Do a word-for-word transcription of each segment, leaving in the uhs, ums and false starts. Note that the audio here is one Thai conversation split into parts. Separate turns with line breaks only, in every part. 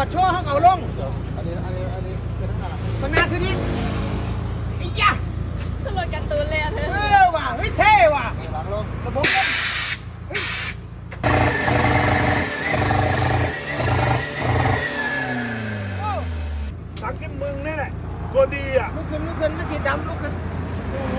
โชว์เขาเอาลง
อันนี้อันนี้อันนี้เป็นข้างหน้า
ข้างหน้าคือนี่ไอ้ยะ
ขึ้นรถการ์ตูนเลยอะเธอ
เออว่ะเฮ้ยเท่ว่ะ
หลังลง
ระบบลมเฮ้ย
ทางที่มึงนี่แหละตัวดีอ่ะ
ลุกขึ้นลุกขึ้นมันสีดำลุกขึ้น
โอ้โห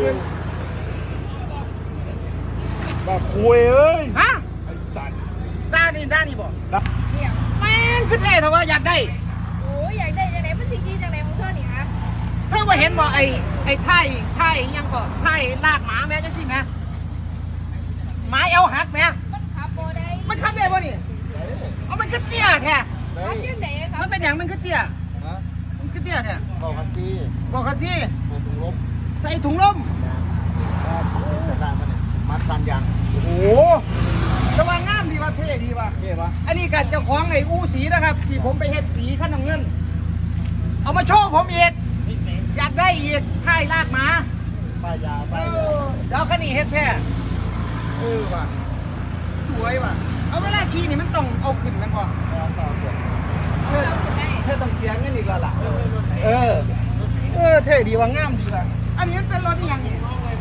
แบบคุยเอ้ย
ฮะ
ไอ้สัตว์
ด้านนี้ด้านนี้บอก
เสี่ยง
แม่งคือเท่แต่ว่าอยากได้
โอ้ยอยากได้ยังไงมันสิกี้จังไหนของเธอนี่ฮะ
เธอว่าเห็นบอกไอ้ไอ้ไท่ไท่ยังก็ไท่ลากหมาแม่จังสิแม่หมาเอวหักแม่
มันขับโบได้
มันขับได้ป่ะนี่เอามันคือเตี้ยแท้
ขับยังไหนครับ
มันเป็นอย่างมันคือเตี้ยมันคือเตี้ยแท้
บอกคัสซี่
บอกคัสซี่
ใส่ถุงลม
ใส่ถุงลม
แต่ด้านมันเนี่ยมัดสันยาง
โอ้โหจะว่างามดีว่ะเท่ดีว่ะ
เท่ปะ
อันนี้กับเจ้าของไอ้อู้สีนะครับที่ผมไปเฮ็ดสีขั้นน้ำเงินเอามาโชว์ผมอีกอยากได้อีกท่ายลากหมา
ป้ายยาป้ายยา
เดี๋ยวคันนี้เฮ็ดแท้เออว่ะสวยว่ะเอาเวลาขี่นี่มันต้องเอาขึ้นมันก่อน
ต่อเกิด
เธอเธอต้องเสียเงินอีกแล้วล่ะเออเออเท่ดีว่ะงามดีว่ะอันนี้มันเป็นรถนี่ยังนี่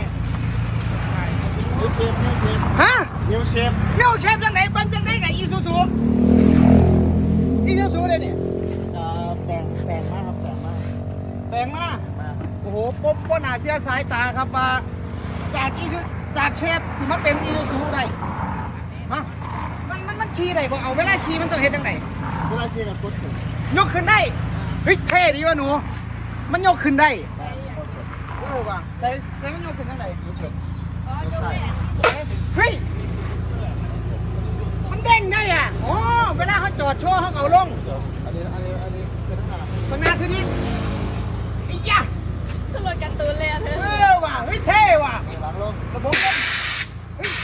นิวเชฟนิวเชฟ
ฮะ
นิวเชฟ
นิวเชฟจังไหนเบิ้งจังไหนกับอีซูซูอีซูซูเลยนี่
แปลงแปลงมากครับแปลงมาก
แปลงมาโอ้โหป๊บป๊หนาเสียสายตาครับว่าจากอีซูจากเชฟสิมาเป็นอีซูซูได้ฮะมันมันมันขี่ได้บ่เอาเวลาขี่มันต้องเฮ็ดจังไหน
เวลาขี่กับพุทธ
ยกขึ้นได้เฮ้ยเท่ดีวะหนูมันยกขึ้นได้โอ้ว่ะใส่ใส่มันยกขึ้นจังไหน
อ๋อจบแม่
เฮ้ยมันเด้งได้อ่ะโอ้เวลาเขาจอดโชว์เขาเอาลง
อันนี้อันนี้อันนี้เป็นข้างหน้า
ข้างหน้าคือนี่ไอ้ยะ
ขึ้นรถการ์ตูนเลยอะเธอ
เออว่ะเฮ้ยเท่ว่ะ
หลังลง
ระบบลมเฮ้ย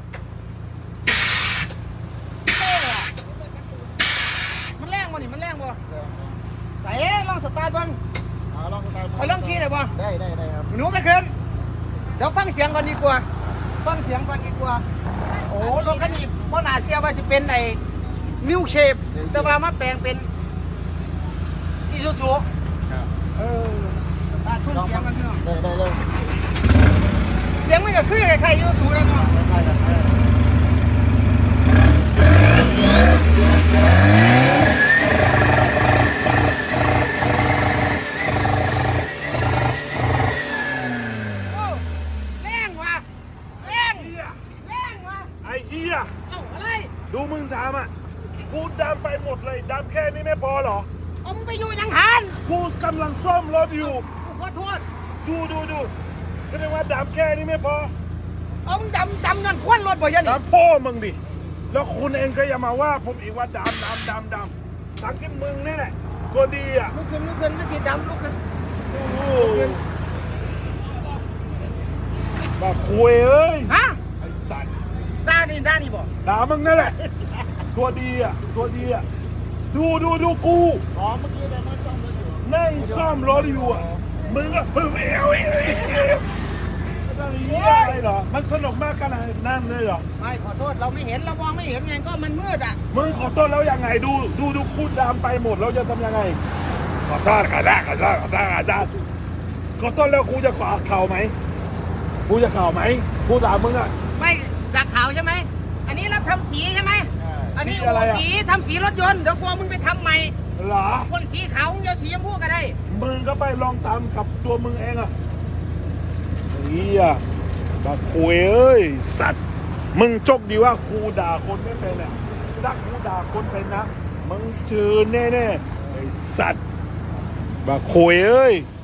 เท่ว่ะมันแรงบ่นี่มันแรงบ่ใส่ลองสตาร์ทบ้าง
ลองสตาร์ท
ไปลองชี้ได้บ่
ได้ได้ได้ครับ
หนูไปขึ้นเดี๋ยวฟังเสียงก่อนดีกว่าฟังเสียงก่อนดีกว่าโอ้รถคันนี้เพราะหนาเสียว่าสิเป็นไอ้มิวเชฟแต่ว่ามาแปลงเป็นอีซูซูเออตัดทุนเสียงกันพี่น้อง
ได้ได้เลย
เสียงมันก็คือใครๆอีซูซูแล้วเนาะ
ดูมึงทำอ่ะกูดำไปหมดเลยดำแค่นี้ไม่พอหรอ
เอามึงไปอยู่ยังหัน
กูกำลังซ่อมรถอยู่
ขอโทษ
ดูดูดูแสดงว่าดำแค่นี้ไม่พอ
เอามึงดำดำเงินควันรถบ่ยันนี่
ดำพ่อมึงดิแล้วคุณเองก็อย่ามาว่าผมอีกว่าดำดำดำดำทั้งที่มึงนี่แหละตัวดีอ่ะ
ลุกขึ้นลุกขึ้นมันสีดำลุกขึ้น
โอ้โหแบบคุยเอ้ย
ฮะ
ไอ้สัตว์
ด้านนี้ด้านนี้บ่
ด่ามึงนั่นแหละตัวดีอ่ะตัวดีอ่ะดูดูดูกู
อ๋อเมื่อกี้เนี่ยมันซ่อมรถอยู่
นั่งซ่อมรถอยู่อ่ะมึงก็เฮ้ยเอ้ยเอ้ยเอ้ยอะไรเหรอมันสนุกมากขนาดนั้นเลยเหรอ
ไม่ขอโทษเราไม่เห็นเรามองไม่เห็นไงก็มันมืดอ่ะ
มึงขอโทษแล้วยังไงดูดูดูคูดดำไปหมดเราจะทำยังไงขอโทษขอโทษขอโทษขอโทษอาจารย์ขอโทษแล้วกูจะขอเข่าไหมกูจะเข่าไหมกูด่ามึงอ่ะ
ไม่จากข่าวใช่ไหมอันนี้รับทำสีใช่ไหมอันนี้สีทำสีรถยนต์เดี๋ยวกลัวมึงไปทำใหม่
เหรอ
คนสีขาวมึงจะสีชมพูก็ได้
มึงก็ไปลองทำกับตัวมึงเองอ่ะเฮียบักคุยเอ้ยสัตว์มึงจกดีว่ากูด่าคนไม่เป็นอ่ะถ้ากูด่าคนเป็นนะมึงเจอแน่ๆไอ้สัตว์บักคุยเอ้ย